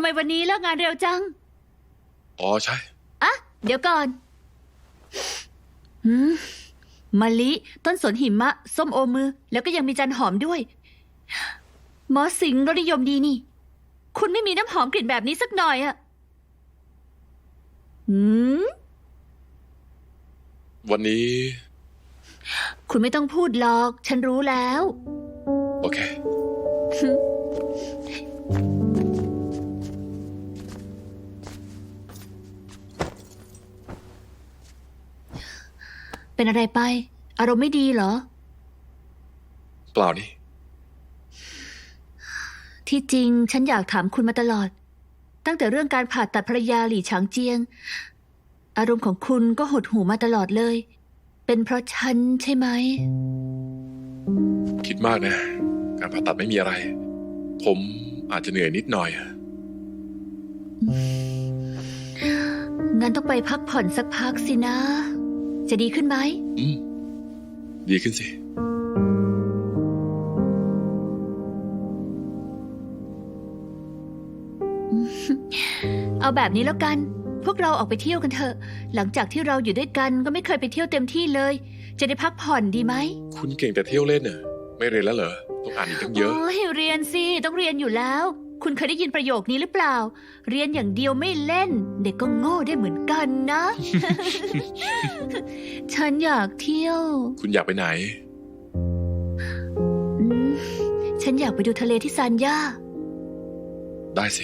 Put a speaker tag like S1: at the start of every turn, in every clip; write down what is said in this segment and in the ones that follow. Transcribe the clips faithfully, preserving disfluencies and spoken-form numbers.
S1: วันนี้เลิกงานเร็วจัง
S2: อ๋อใช่
S1: อะเดี๋ยวก่อนหืมมะลิต้นสนหิมะส้มโอมือแล้วก็ยังมีจันหอมด้วยหมอสิงห์รสนิยมดีนี่คุณไม่มีน้ำหอมกลิ่นแบบนี้สักหน่อยอะหืม
S2: วันนี้
S1: คุณไม่ต้องพูดหรอกฉันรู้แล้ว
S2: โอเค
S1: เป็นอะไรไปอารมณ์ไม่ดีเหรอ
S2: เปล่านี่
S1: ที่จริงฉันอยากถามคุณมาตลอดตั้งแต่เรื่องการผ่าตัดภรรยาหลี่ฉางเจียงอารมณ์ของคุณก็หดหู่มาตลอดเลยเป็นเพราะฉันใช่ไหม
S2: คิดมากนะการผ่าตัดไม่มีอะไรผมอาจจะเหนื่อยนิดหน่อย
S1: งั้นต้องไปพักผ่อนสักพักสินะจะดีขึ้นไหม
S2: อืมดีขึ้นสิ
S1: เอาแบบนี้แล้วกันพวกเราออกไปเที่ยวกันเถอะหลังจากที่เราอยู่ด้วยกันก็ไม่เคยไปเที่ยวเต็มที่เลยจะได้พักผ่อนดีไหม
S2: คุณเก่งแต่เที่ยวเล่นน่ะไม่เรียนแล้วเหรอต้องอ่านอีกตั้งเยอะ
S1: โอ้ยเรียนสิต้องเรียนอยู่แล้วคุณเคยได้ยินประโยคนี้หรือเปล่าเรียนอย่างเดียวไม่เล่นเด็กก็โง่ได้เหมือนกันนะ ฉันอยากเที่ยว
S2: คุณอยากไปไหน
S1: ฉันอยากไปดูทะเลที่ซานย่า
S2: ได้สิ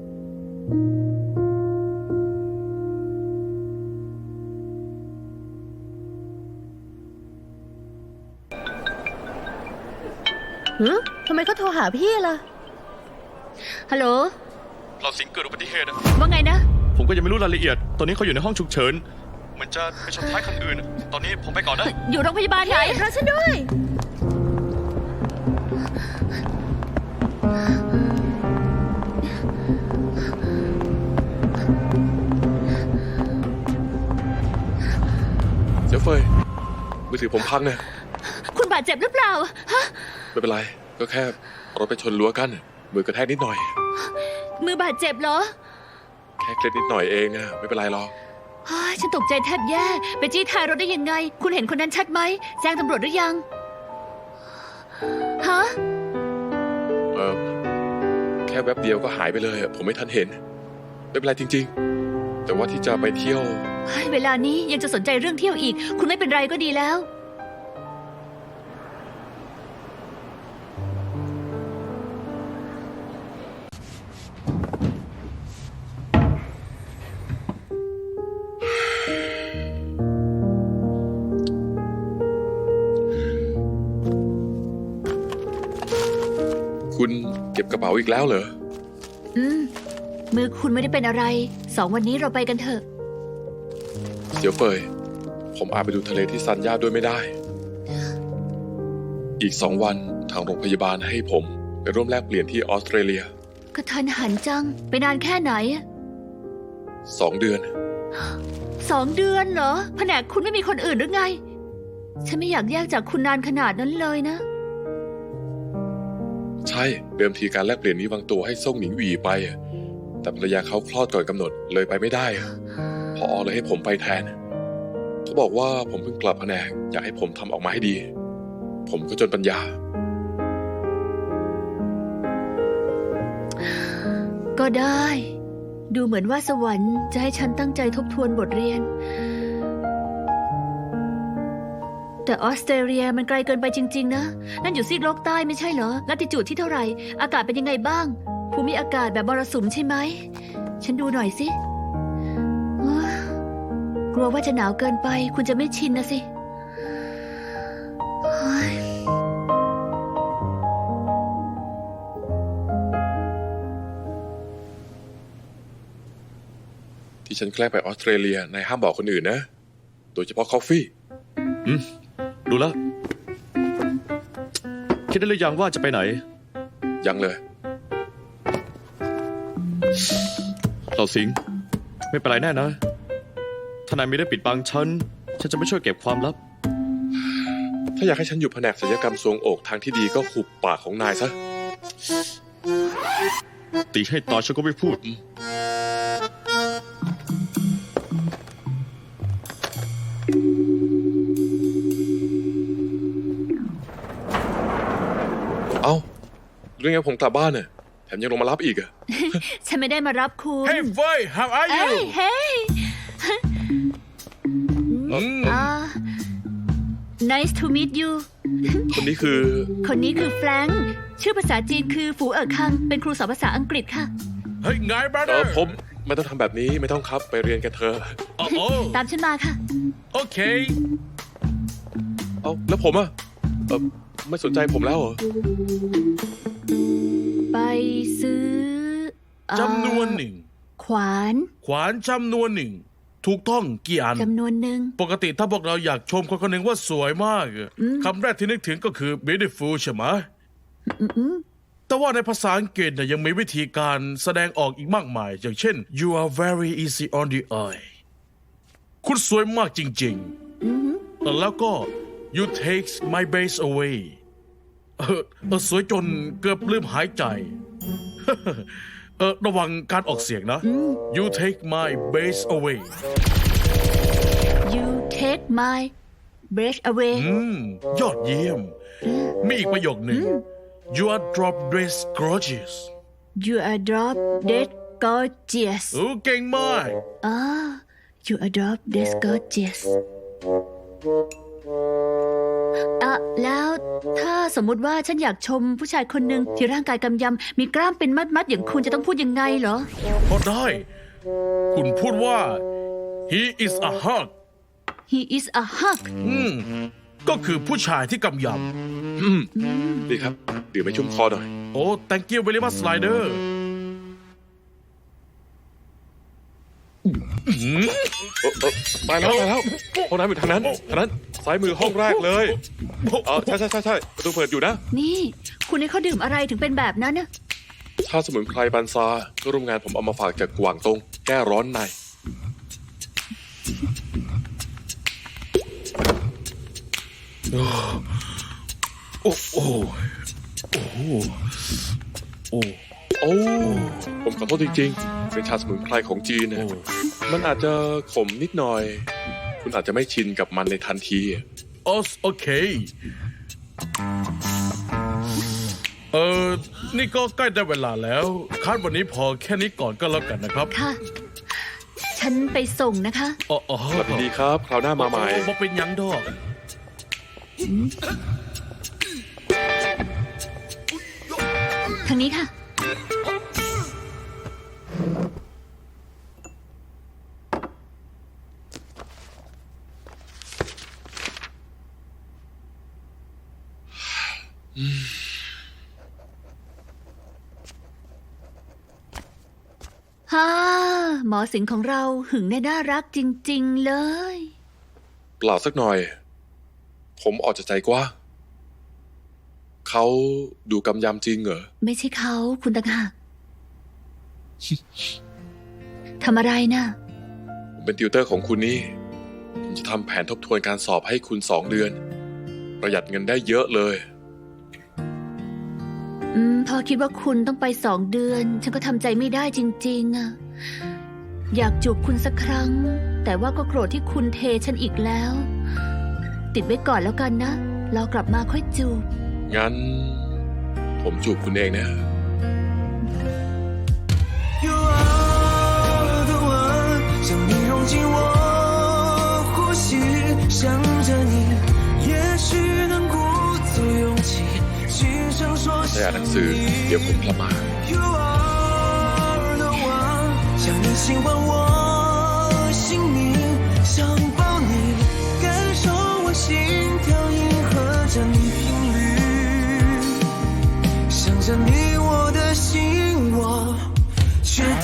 S3: หือทำไมเขาโทรหาพี่ล่ะ
S1: ฮัลโหล
S4: เราสิงเกิดอุบัติเหตุ
S1: ว่าไงนะ
S4: ผมก็ยังไม่รู้รายละเอียดตอนนี้เขาอยู่ในห้องฉุกเฉินเหมือนจะไปชนท้ายคันอื่นตอนนี้ผมไปก่อนนะ
S1: อยู่โรงพยาบาลไหน
S3: รอฉันด้วย
S2: เดี๋ยวเฟยมือถือผมพังเนี่ย
S1: คุณบาดเจ็บหรือเปล่าฮะ
S2: ไม่เป็นไรก็แค่รถไปชนรั้วกันมือกระแทกนิดหน่อย
S1: มือบาดเจ็บเหรอ
S2: แค่เคล็ดนิดหน่อยเองนะไม่เป็นไรหรอก
S1: ฉันตกใจแทบแย่ไปจี้ท้ายรถได้ยังไงคุณเห็นคนนั้นชัดไหมแจ้งตำรวจหรือยังฮะ
S2: เออแค่แวบเดียวก็หายไปเลยผมไม่ทันเห็นไม่เป็นไรจริงๆแต่ว่าที่จะไปเที่ยว
S1: เวลานี้ยังจะสนใจเรื่องเที่ยวอีกคุณไม่เป็นไรก็ดีแล้ว
S2: คุณเก็บกระเป๋าอีกแล้วเหรอ
S1: อืมมือคุณไม่ได้เป็นอะไรสองวันนี้เราไปกันเถอะ
S2: เสี่ยวเฟยผมอาจไปดูทะเลที่ซันย่าด้วยไม่ได้อีกสองวันทางโรงพยาบาลให้ผมไปร่วมแลกเปลี่ยนที่ออสเตรเลีย
S1: กระทันหันจังไปนานแค่ไหน
S2: สองเดือน
S1: สองเดือนเหรอแผนกคุณไม่มีคนอื่นหรือไงฉันไม่อยากแยกจากคุณนานขนาดนั้นเลยนะ
S2: ใช่เดิมทีการแลกเปลี่ยนนี้วางตัวให้ซ่งหนิงหวีไปแต่ภรรยาเขาคลอดก่อนกำหนดเลยไปไม่ได้พอเลยให้ผมไปแทนเขาบอกว่าผมเพิ่งกลับแผนกอยากให้ผมทำออกมาให้ดีผมก็จนปัญญา
S1: ก็ได้ดูเหมือนว่าสวรรค์จะให้ฉันตั้งใจทบทวนบทเรียนแต่ออสเตรเลียมันไกลเกินไปจริงๆนะนั่นอยู่ซีกโลกใต้ไม่ใช่เหรอลัติจูดที่เท่าไหร่อากาศเป็นยังไงบ้างภูมิอากาศแบบมรสุมใช่ไหมฉันดูหน่อยสิกลัวว่าจะหนาวเกินไปคุณจะไม่ชินนะสิ
S2: ที่ฉันแกล้งไปออสเตรเลียนายห้ามบอกคนอื่นนะโดยเฉพาะคอฟฟี่
S4: อืมดูแล้วคิดได้หรือยังว่าจะไปไหน
S2: ยังเลย
S4: เราสิงไม่เป็นไรแน่นะถ้านายไม่ได้ปิดบังฉันฉันจะไม่ช่วยเก็บความลับ
S2: ถ้าอยากให้ฉันอยู่แผนกศัลยกรรมทรวงอกทางที่ดีก็หุบปากของนายซะ
S4: ตีให้ตายฉันก็ไม่พูด
S2: เอ้าเรื่องไงผมกลับบ้านเนี่ยแถมยังลงมารับอีกอะ
S1: ฉันไม่ได้มารับคุณ
S5: Hey, Boy, how are
S1: เอ้ย
S5: you?
S1: เฮ้ย
S5: Mm.
S1: อ่า nice to meet you
S2: คนนี้คือ
S1: คนนี้คือแฟรงค์ชื่อภาษาจีนคือฝูเอ๋อคัง เป็นครูสอนภาษาอังกฤษค่ะ
S5: Hey, Guy
S2: เออ
S5: brother.
S2: ผมไม่ต้องทำแบบนี้ไม่ต้องครับไปเรียนกันเถอะ
S5: Oh, oh.
S1: ตามฉันมาค่ะ
S5: Okay.
S2: เอ้าแล้วผมอะเออไม่สนใจผมแล้วเหรอ
S1: ไปซื้อเอ่อ
S5: จำนวนหนึ่ง
S1: ขวาน
S5: ขวานจำนวนหนึ่ง ถูกต้องกี่อัน
S1: จำนวนหนึ่ง
S5: ปกติถ้าพวกเราอยากชมคนคนหนึ่งว่าสวยมากอะ
S1: อืม
S5: คำแรกที่นึกถึงก็คือ beautiful ใช่ไหม
S1: อืมอืม
S5: แต่ว่าในภาษาอังกฤษเนี่ยยังมีวิธีการแสดงออกอีกมากมาย อย่างเช่น you are very easy on the eye คุณสวยมากจริง
S1: อืม
S5: ๆ แล้วก็ you takes my breath away เออเออสวยจนเกือบลืมหายใจ เออระวังการออกเสียงนะ
S1: อืม
S5: you take my breath away
S1: you take my breath away
S5: อืม ยอดเยี่ยม มีอีกประโยคหนึ่ง you are drop dress gorgeous
S1: you are drop dead gorgeous
S5: โอ้เก่งมาก
S1: อ่า you are drop dead gorgeous อ่ะแล้วถ้าสมมุติว่าฉันอยากชมผู้ชายคนหนึ่งที่ร่างกายกำยำมีกล้ามเป็นมัดๆอย่างคุณจะต้องพูดยังไงเหรอ
S5: ก็ได้ คุณพูดว่า he is a hug
S1: he is a hug
S5: อืม ก็คือผู้ชายที่กำย
S2: อืมดีครับดื่มให้ชุ่มคอหน่อย
S5: ำโอ้ thank you very much Slider
S2: เออเออไปแล้วไปแล้วห้องน้ำอยู่ทางนั้นทางนั้นซ้ายมือห้องแรกเลยเออใช่ใช่ใช่ใช่ประตูเปิดอยู่นะ
S1: นี่ คุณให้เขาดื่มอะไรถึงเป็นแบบนั้นน่ะ
S2: ชาสมุนไพรบันซาก็ร่วมงานผมเอามาฝากจากกวางตงแก้ร้อนใน
S5: โอ้โอ้โอ้โอ้
S2: โอ้ผมขอโทษจริงๆเป็นชาสมุนไพรของจีนเนี่ย
S5: โอ้
S2: มันอาจจะขมนิดหน่อย คุณอาจจะไม่ชินกับมันในทันที
S5: โอโอเค เออ นี่ก็ใกล้ได้เวลาแล้ว คาดวันนี้พอแค่นี้ก่อนก็แล้วกันนะครับ
S1: ค่ะ ฉันไปส่งนะคะ
S5: อ๋ออ๋อ
S2: สวัสดีครับ คราวหน้ามาใหม่
S5: บ่เป็นหยังดอก
S1: ทางนี้ค่ะ ฮ่า หมอสิงห์ของเราหึงแน่น่ารักจริง ๆ เลย
S2: เปล่าสักหน่อย ผมออกจากใจกว้างเขาดูกำยำจริงเหรอ
S1: ไม่ใช่เขาคุณต่างหาก ทำอะไรนะ
S2: ผมเป็นติวเตอร์ของคุณนี่ ผมจะทำแผนทบทวนการสอบให้คุณสองเดือน ประหยัดเงินได้เยอะเลย
S1: อืม พอคิดว่าคุณต้องไปสองเดือน ฉันก็ทำใจไม่ได้จริง ๆอะอยากจูบคุณสักครั้ง แต่ว่าก็โกรธที่คุณเทฉันอีกแล้ว ติดไว้ก่อนแล้วกันนะรอกลับมาค่อยจูบ
S2: งั้น ผมจูบคุณเองนะ
S6: You are the one，想你融进我呼吸，想着你，也许能鼓足勇气，轻声说
S2: ได้
S6: 想
S2: อ่านหนังสือ เดี๋ยว
S6: 你
S2: ผม。กลับมา
S6: You are the one，想你喜欢我姓名，想抱你，感受我心跳迎合着你频率，想着你我的心我确定。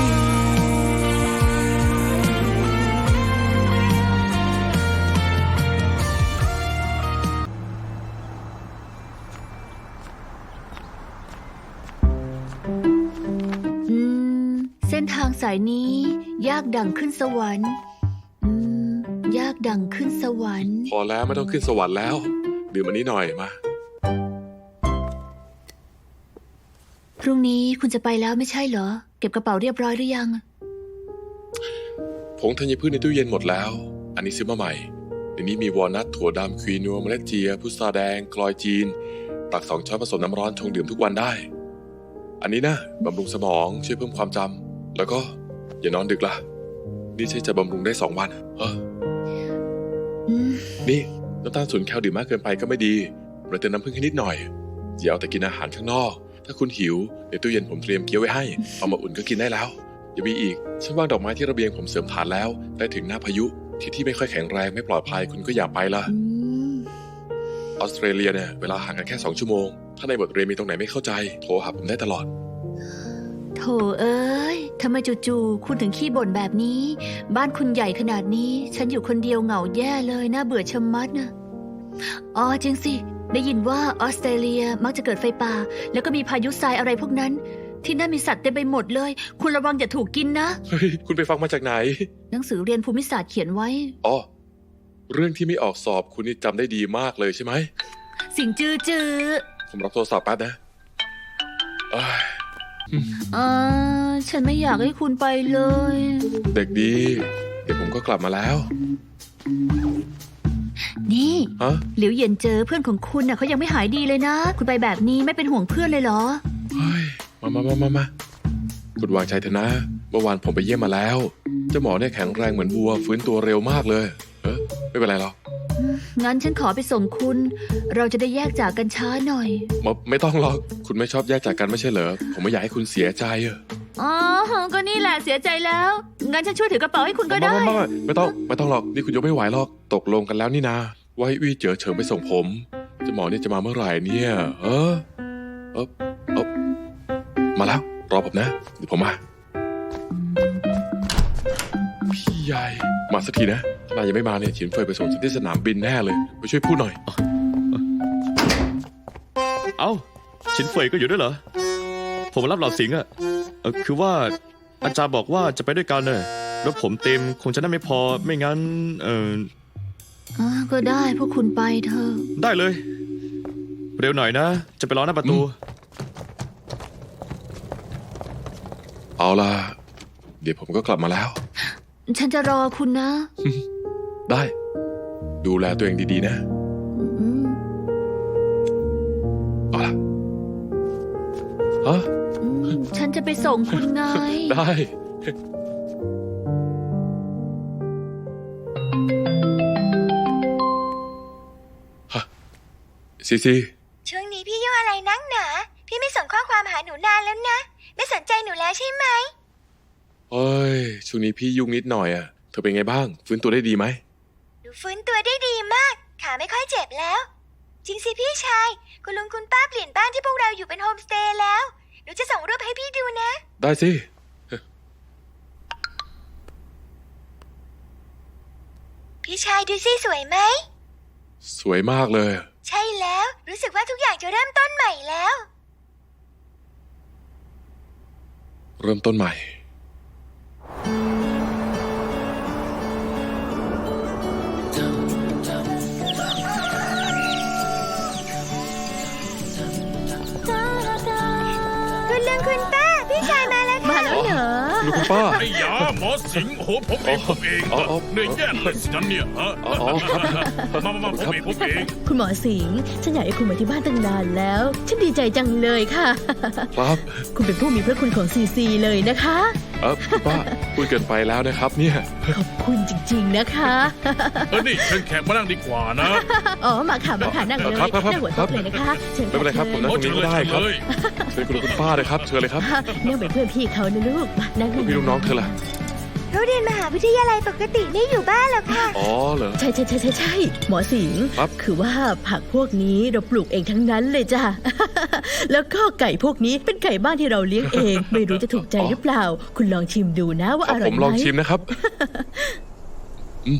S1: อืม เส้นทางสายนี้ ยากดั่งขึ้นสวรรค์ อืม ยากดั่งขึ้นสวรรค์
S2: พอแล้วไม่ต้องขึ้นสวรรค์แล้ว ดื่มอันนี้หน่อยมา
S1: พรุ่งนี้คุณจะไปแล้วไม่ใช่เหรอ เก็บกระเป๋าเรียบร้อยหรือยัง
S2: ผงธัญพืชในตู้เย็นหมดแล้ว อันนี้ซื้อมาใหม่ในนี้มีวอลนัทถั่วดำควีนัวเมล็ดเจียพุทราแดงกลอยจีน ตักสองช้อนผสมน้ำร้อนชงดื่มทุกวันได้ อันนี้นะบำรุงสมองช่วยเพิ่มความจำแล้วก็อย่านอนดึกล่ะ นี่ใช่จะบำรุงได้สองวันเออ
S1: อืม
S2: นี่น้ำตาลสูงแคลดื่มมากเกินไปก็ไม่ดีเราเติมน้ำผึ้งให้นิดหน่อยอย่าเอาแต่กินอาหารข้างนอก ถ้าคุณหิวในตู้เย็นผมเตรียมเกี๊ยวไว้ให้เอามาอุ่นก็กินได้แล้วอย่ามีอีกฉันวางดอกไม้ที่ระเบียงผมเสริมฐานแล้วได้ถึงหน้าพายุที่ที่ไม่ค่อยแข็งแรงไม่ปลอดภัยคุณก็อย่าไปละ
S1: อืม
S2: ออสเตรเลียเนี่ยเวลาห่างกันแค่สองชั่วโมงถ้าในบทเรียนมีตรงไหนไม่เข้าใจโทรหาผมได้ตลอด
S1: โถเอ้ยทำไมจู่ๆคุณถึงขี้บ่นแบบนี้ บ้านคุณใหญ่ขนาดนี้ ฉันอยู่คนเดียวเหงาแย่เลยน่าเบื่อชะมัดนะอ๋อจริงสิ ได้ยินว่าออสเตรเลียมักจะเกิดไฟป่า แล้วก็มีพายุทรายอะไรพวกนั้น ที่นั่นมีสัตว์เต็มไปหมดเลย คุณระวังอย่าถูกกินนะ
S2: เฮ้ยคุณไปฟังมาจากไหน
S1: หนังสือเรียนภูมิศาสตร์เขียนไว้
S2: อ๋อเรื่องที่ไม่ออกสอบคุณนี่จำได้ดีมากเลยใช่ไหม
S1: สิ่งจือจือ
S2: ผมรับโทรศัพท์แป๊บนะเอ้ย
S1: อ่าฉันไม่อยากให้คุณไปเลย
S2: เด็กดี เดี๋ยวผมก็กลับมาแล้ว
S1: นี่
S2: ฮะ
S1: หลิวเหยียนเจอเพื่อนของคุณน่ะเขายังไม่หายดีเลยนะ คุณไปแบบนี้ไม่เป็นห่วงเพื่อนเลยเหรอ
S2: เฮ้ยมามามามามาคุณวางใจเถอะนะ เมื่อวานผมไปเยี่ยมมาแล้ว เจ้าหมอเนี่ยแข็งแรงเหมือนวัว ฟื้นตัวเร็วมากเลย เออไม่เป็นไรหรอก
S1: งั้นฉันขอไปส่งคุณ เราจะได้แยกจากกันช้าหน่อย
S2: ไม่ไม่ต้องหรอก คุณไม่ชอบแยกจากกันไม่ใช่เหรอ ผมไม่อยากให้คุณเสียใจอะ
S1: อ๋อ ก็นี่แหละเสียใจแล้ว งั้นฉันช่วยถือกระเป๋าให้คุณก็ได้
S2: ไม่ไม่ไม่ไม่ต้องไม่ต้องหรอก นี่คุณยกไม่ไหวหรอก ตกลงกันแล้วนี่นาว่าให้วี่เจ๋อเฉิงไปส่งผมเจ้าหมอเนี่ยจะมาเมื่อไหร่เนี่ย เออเออเออมาแล้ว รอผมนะ เดี๋ยวผมมา พี่ใหญ่มาสักทีนะถ้านายยังไม่มาเนี่ยฉินเฟยไปส่งฉันที่สนามบินแน่เลยไปช่วยพูดหน่อย
S4: เอ้าชินเฟยก็อยู่ด้วยเหรอ ผมมารับเหล่าสิงห์อะเออคือว่าอาจารย์บอกว่าจะไปด้วยกันเนอะแล้วผมเต็มคงจะนั่งไม่พอไม่งั้น เออ
S1: อ่าก็ได้พวกคุณไปเถอะ
S4: ได้เลย เร็วหน่อยนะ จะไปรอหน้าประตู
S2: เอาล่ะ เดี๋ยวผมก็กลับมาแล้ว
S1: ฉันจะรอคุณนะ
S2: ได้ ดูแลตัวเองดีๆนะ
S1: อืม
S2: เอาล่ะฮะ
S1: อืมฉันจะไปส่งคุณไง
S2: ได้ ฮะซีซี
S7: ช่วงนี้พี่ยุ่งอะไรนักหนา พี่ไม่ส่งข้อความหาหนูนานแล้วนะ ไม่สนใจหนูแล้วใช่ไหม
S2: เฮ้ย ช่วงนี้พี่ยุ่งนิดหน่อยอะเธอเป็นไงบ้าง ฟื้นตัวได้ดีไหม
S7: หนูฟื้นตัวได้ดีมาก ขาไม่ค่อยเจ็บแล้ว จริงสิพี่ชาย คุณลุงคุณป้าเปลี่ยนบ้านที่พวกเราอยู่เป็นโฮมสเตย์แล้ว หนูจะส่งรูปให้พี่ดูนะ
S2: ได้สิ
S7: พี่ชายดูสิสวยไหม
S2: สวยมากเลย
S7: ใช่แล้ว รู้สึกว่าทุกอย่างจะเริ่มต้นใหม่แล้ว
S2: เริ่มต้นใหม่
S7: คุณลุงคุณป้า พี่ชายมาแล้ว
S3: มา
S7: ค่ะ
S3: แล้วเหรอ
S2: ลูกคุณป้า
S5: ไอ้ยาหมอสิงห์โอ้โหผมเองผมเอง
S2: อ๋ออ๋อ
S5: เหนื่อยแย่เลยสินะเนี่ยฮะ
S2: อ๋ออ๋อครับ
S5: มามามาผมเองผมเอง
S3: คุณหมอสิงห์ฉันอยากให้คุณมาที่บ้านตั้งนานแล้ว ฉันดีใจจังเลยค่ะ
S2: ครับ
S3: คุณเป็นผู้มีพระคุณของซีซีเลยนะคะ
S2: เออคุณป้าพูดเกินไปแล้วนะครับ เนี่ย
S3: ขอบคุณจริงๆนะคะ
S5: เออนี่เชิญแขกมานั่งดีกว่านะ
S3: อ๋อมาค่ะมาค่ะนั่งเลย
S2: ครับครับครับ
S3: นั่งหัวโต๊ะเลยนะคะเชิญ
S2: ไม่เป็นไรครับผมนั่ง
S5: โอ้
S2: ตรง
S5: เชิ
S2: นี้
S5: ญเลย
S2: ก็ได้
S5: เชิญ
S2: ครับ
S5: เลย
S2: เป็นคุณลุงคุณป้าเลยครับ เชิญเลยครับ
S3: ค่ะนั่งเป็นเพื่อนพี่เขานะลูกมานั่ง
S2: ลูกพี่ลูกน้องเธอล่ะ
S7: เขาเรียนมหาวิทยาลัยปกติไม่อยู่บ้านหรอกค่ะ
S2: อ๋อเหรอ
S3: ใช่ใช่ใช่ใช่ใช่หมอสิงห์
S2: ครับ
S3: คือว่าผักพวกนี้เราปลูกเองทั้งนั้นเลยจ้ะ แล้วก็ไก่พวกนี้เป็นไก่บ้านที่เราเลี้ยงเอง ไม่รู้จะถูกใจหรือเปล่า คุณลองชิมดูนะว่าอร่อย
S2: ผม
S3: ไหม
S2: ลองชิมนะครับ อืม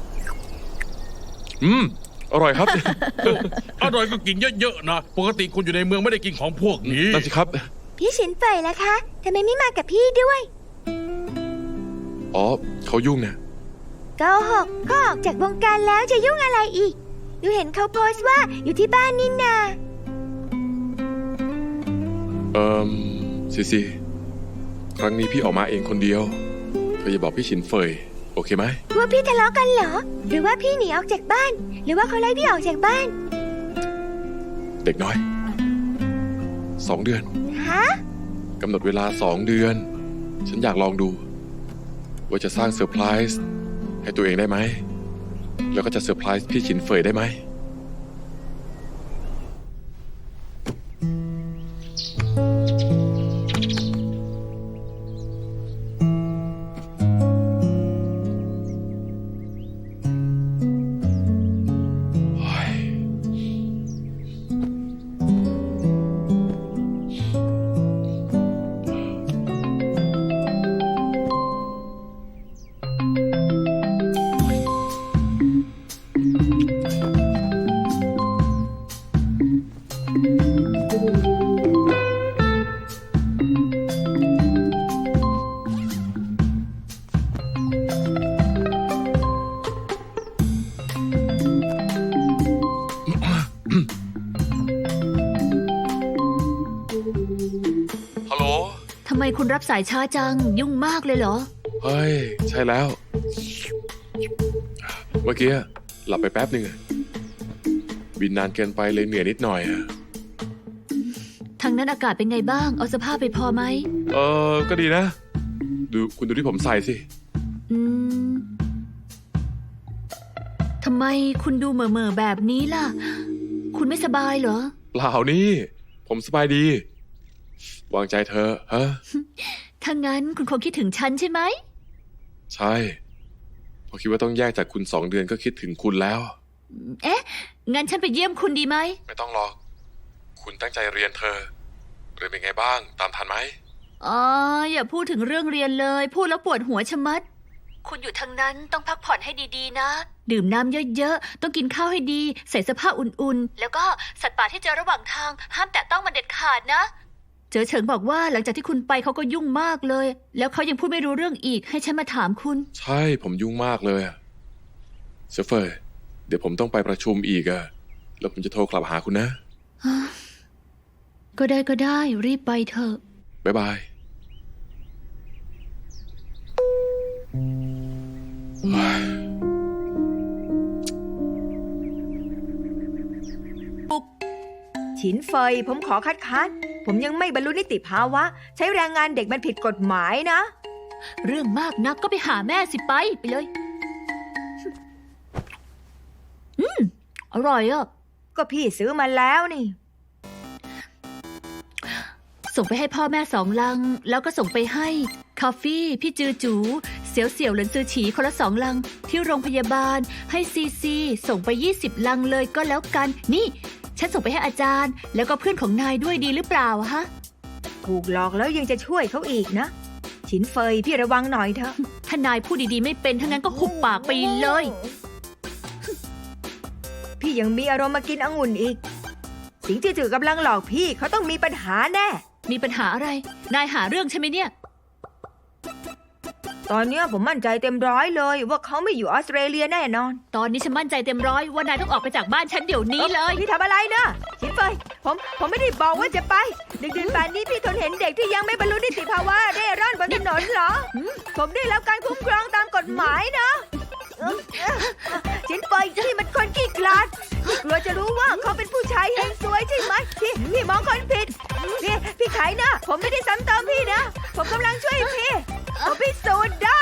S2: อืม อร่อยครับ
S5: อร่อยก็กินเยอะๆนะ ปกติคุณอยู่ในเมืองไม่ได้กินของพวกนี้
S2: นั่นสิครับ
S7: พี่ฉินเฟยล่ะคะทำไมไม่มากับพี่ด้วย
S2: อ๋อ เขายุ่งนะ
S7: โกหกก็ออกจากวงการแล้วจะยุ่งอะไรอีกดูเห็นเขาโพสต์ว่าอยู่ที่บ้านนี่นา
S2: เอ่อซีซีครั้งนี้พี่ออกมาเองคนเดียวเธออย่าบอกพี่ฉินเฟยโอเคไหม
S7: ว่าพี่ทะเลาะกันเหรอ หรือว่าพี่หนีออกจากบ้าน หรือว่าเขาไล่พี่ออกจากบ้าน
S2: เด็กน้อยสองเดือน
S7: ฮะ
S2: กำหนดเวลาสองเดือน ฉันอยากลองดู ว่าจะสร้างเซอร์ไพรส์ให้ตัวเองได้ไหม แล้วก็จะเซอร์ไพรส์พี่ฉินเฟยได้ไหม ฮัลโหล
S1: ทำไมคุณรับสายช้าจัง ยุ่งมากเลยเหรอ
S2: เฮ้ย ใช่แล้ว เมื่อกี้หลับไปแป๊บหนึ่งอะบินนานเกินไปเลยเหนื่อยนิดหน่อยอะ
S1: ทางนั้นอากาศเป็นไงบ้าง เอาเสื้อผ้าไปพอไหม
S2: เออ ก็ดีนะ ดูคุณดูที่ผมใส่สิ
S1: อืม ทำไมคุณดูเหม่อๆแบบนี้ล่ะ คุณไม่สบายเหรอ
S2: เปล่านี่ ผมสบายดี วางใจเธอฮะ
S1: ถ้างั้นคุณคงคิดถึงฉันใช่ไหม
S2: ใช่พอคิดว่าต้องแยกจากคุณสองเดือนก็คิดถึงคุณแล้ว
S1: เอ๊ะ งั้นฉันไปเยี่ยมคุณดีไหม
S2: ไม่ต้องหรอก คุณตั้งใจเรียนเธอ เรียนเป็นไงบ้าง ตามทันไหม
S1: อ๋อ อย่าพูดถึงเรื่องเรียนเลย พูดแล้วปวดหัวชะมัด คุณอยู่ทางนั้นต้องพักผ่อนให้ดีๆนะ ดื่มน้ำเยอะๆ ต้องกินข้าวให้ดี ใส่เสื้อผ้าอุ่นๆ แล้วก็สัตว์ป่าที่เจอระหว่างทาง ห้ามแตะต้องมันเด็ดขาดนะ เจอเฉิงบอกว่าหลังจากที่คุณไปเขาก็ยุ่งมากเลย แล้วเขายังพูดไม่รู้เรื่องอีก ให้ฉันมาถามคุณ
S2: ใช่ผมยุ่งมากเลยอะเซฟเฟอร์ เดี๋ยวผมต้องไปประชุมอีกอะแล้วผมจะโทรกลับหาคุณนะ
S1: ก็ได้ก็ได้รีบไปเถอะ
S2: บ๊ายบาย
S8: ฉินเฟย ผมขอคัดค้าน ผมยังไม่บรรลุนิติภาวะ ใช้แรงงานเด็กมันผิดกฎหมายนะ
S1: เรื่องมากนักก็ไปหาแม่สิไปไปเลย อืม อร่อยอ่ะ
S8: ก็พี่ซื้อมาแล้วนี่
S1: ส่งไปให้พ่อแม่สองลัง แล้วก็ส่งไปให้คาฟี่ พี่จือจู เสียวเสี่ยวเหลินซือฉีคนละสองลัง ที่โรงพยาบาล ให้ซีซีส่งไปยี่สิบลังเลยก็แล้วกัน นี่ ฉันส่งไปให้อาจารย์ แล้วก็เพื่อนของนายด้วยดีหรือเปล่าฮะ
S8: ถูกหลอกแล้วยังจะช่วยเขาอีกนะ ฉินเฟย พี่ระวังหน่อยเถอะ
S1: ถ้านายพูดดีๆไม่เป็นทั้งนั้นก็หุบปากไปเลย
S8: พี่ยังมีอารมณ์มากินองุ่นอีก สิงจื่อๆกำลังหลอกพี่เขาต้องมีปัญหาแน่
S1: มีปัญหาอะไร นายหาเรื่องใช่ไหมเนี่ย
S8: ตอนเนี้ยผมมั่นใจเต็มร้อยเลยว่าเขาไม่อยู่ออสเตรเลียแน่นอน
S1: ตอนนี้ฉันมั่นใจเต็มร้อยว่านายต้องออกไปจากบ้านฉันเดี๋ยวนี้เลย
S8: พี่ทำอะไรนะฉินเฟย ผมผมไม่ได้บอกว่าจะไปดึกดื่นป่านนี้พี่ทนเห็นเด็กที่ยังไม่บรรลุนิติภาวะเร่ร่อนบนถนนเหรอ ผมได้รับการคุ้มครองตามกฎหมายนะฉินเฟยพี่มันคนขี้คลาดพี่กลัวจะรู้ว่าเขาเป็นผู้ชายเฮงซวยใช่ไหมพี่พี่มองคนผิดพี่พี่ไขนะผมไม่ได้ซ้ำเติมพี่นะ ผมกำลังช่วยพี่ผมพิสูจน์ได้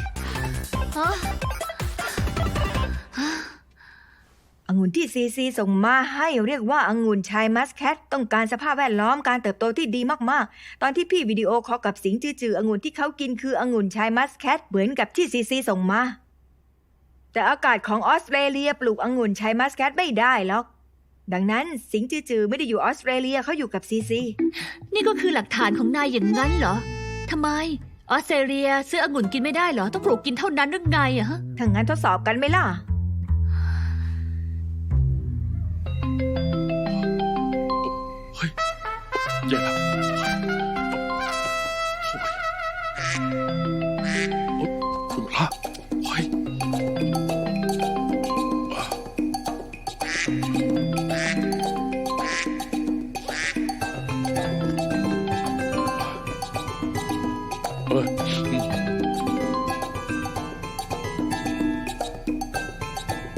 S8: องุ่นที่ซีซีส่งมาให้เรียกว่าองุ่นชายมัสแคทต้องการสภาพแวดล้อมการเติบโตที่ดีมากๆ ตอนที่พี่วิดีโอคอลกับสิงจื่อๆองุ่นที่เขากินคือองุ่นชายมัสแคทเหมือนกับที่ซีซีส่งมาแต่อากาศของออสเตรเลียปลูกองุ่นชายมัสแคทไม่ได้หรอกดังนั้นสิงจื่อๆไม่ได้อยู่ออสเตรเลียเขาอยู่กับซีซี
S1: นี่ก็คือหลักฐานของนายอย่างนั้นเหรอทำไมออสเตรเลียซื้อองุ่นกินไม่ได้เหรอต้องปลูกกินเท่านั้นหรือไงอะฮะ
S8: ถ้างั้นทดสอบกันไหมล่ะ
S2: เฮ้ยแย่แล้วโอ๊ยคุณพระเฮ้ย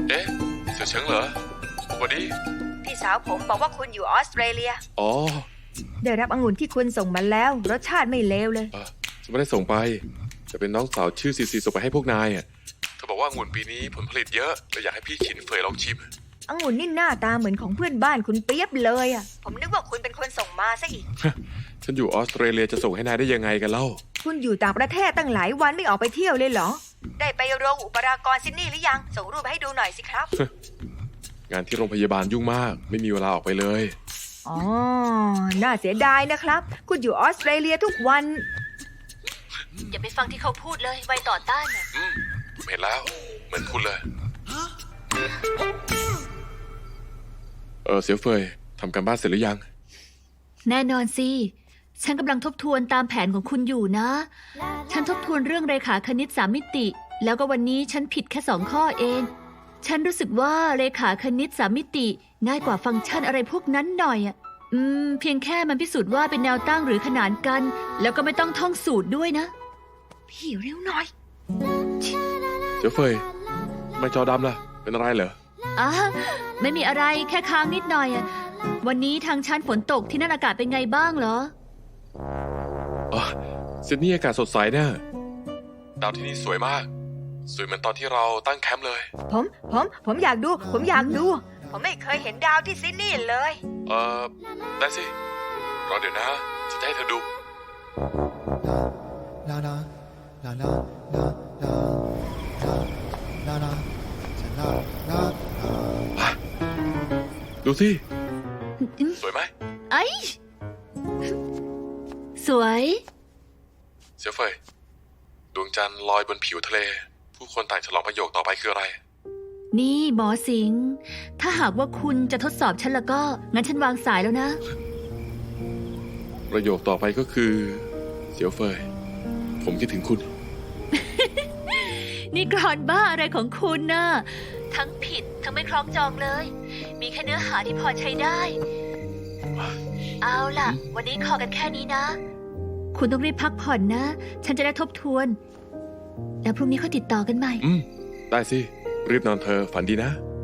S2: เอ๊ะ เสี่ยวเฉิงเหรอสวัสดี
S8: พี่สาวผมบอกว่าคุณอยู่ออสเตรเลีย
S2: อ๋อ
S8: ได้รับองุ่นที่คุณส่งมาแล้ว รสชาติไม่เลวเลย
S2: เออฉันไม่ได้ส่งไป จะเป็นน้องสาวชื่อซีซีส่งไปให้พวกนายอ่ะเธอบอกว่าองุ่นปีนี้ผลผลิตเยอะเลยอยากให้พี่ฉินเฟยลองชิม
S8: องุ่นนี่หน้าตาเหมือนของเพื่อนบ้านคุณเปียบเลยอ่ะ ผมนึกว่าคุณเป็นคนส่งมาซะอีก
S2: ฉันอยู่ออสเตรเลียจะส่งให้นายได้ยังไงกันเล่า
S8: คุณอยู่ต่างประเทศตั้งหลายวันไม่ออกไปเที่ยวเลยเหรอ ได้ไปโรงอุปรากรซิดนีย์หรือยัง ส่งรูปให้ดูหน่อยสิครับ
S2: งานที่โรงพยาบาลยุ่งมาก ไม่มีเวลาออกไปเลย
S8: อ๋อ น่าเสียดายนะครับ คุณอยู่ออสเตรเลียทุกวัน
S1: อย่าไปฟังที่เขาพูดเลยไวยต่อต้านน่ะ
S2: อืมผมเห็นแล้ว เหมือนคุณเลย เออเสี่ยวเฟยทำการบ้านเสร็จหรือยัง
S1: แน่นอนสิ ฉันกำลังทบทวนตามแผนของคุณอยู่นะ ฉันทบทวนเรื่องเรขาคณิตสามมิติ แล้วก็วันนี้ฉันผิดแค่สองข้อเอง ฉันรู้สึกว่าเรขาคณิตสามมิติ ง่ายกว่าฟังก์ชันอะไรพวกนั้นหน่อยอ่ะ อืม เพียงแค่มันพิสูจน์ว่าเป็นแนวตั้งหรือขนานกัน แล้วก็ไม่ต้องท่องสูตรด้วยนะ
S8: พี่เร็วหน่อย
S2: เสี่ยวเฟยทำไมจอดำล่ะ เป็นอะไรเหรอ
S1: อ่ะไม่มีอะไรแค่ค้างนิดหน่อยอะวันนี้ทางชั้นฝนตกที่นั่นอากาศเป็นไงบ้างเหรอ
S2: อ๋อซิดนีย์อากาศสดใสเนี่ยดาวที่นี่สวยมาก สวยเหมือนตอนที่เราตั้งแคมป์เลย
S8: ผม ผม ผมอยากดู ผมอยากดู ผมไม่เคยเห็นดาวที่ซิดนีย์เลย
S2: เออได้สิ รอเดี๋ยวนะ ฉันจะให้เธอดู
S6: La la la la la la la la la la la la
S2: ดูสิ สวยไหม
S1: ไอ้สวย
S2: เสี่ยวเฟยดวงจันทร์ลอยบนผิวทะเล ผู้คนต่างฉลองประโยคต่อไปคืออะไร
S1: นี่หมอสิงห์ถ้าหากว่าคุณจะทดสอบฉันแล้วก็ งั้นฉันวางสายแล้วนะ
S2: ประโยคต่อไปก็คือเสี่ยวเฟยผมคิดถึงคุณ
S1: นี่กรอนบ้าอะไรของคุณน่ะ ทั้งผิดทั้งไม่คล้องจองเลย มีแค่เนื้อหาที่พอใช้ได้ เอาล่ะ วันนี้ขอกันแค่นี้นะ คุณต้องรีบพักผ่อนนะ ฉันจะได้ทบทวน แล้วพรุ่งนี้ค่อยติดต่อกันใหม่
S2: อืม ได้สิ รีบนอนเธอฝันดีนะ
S1: ค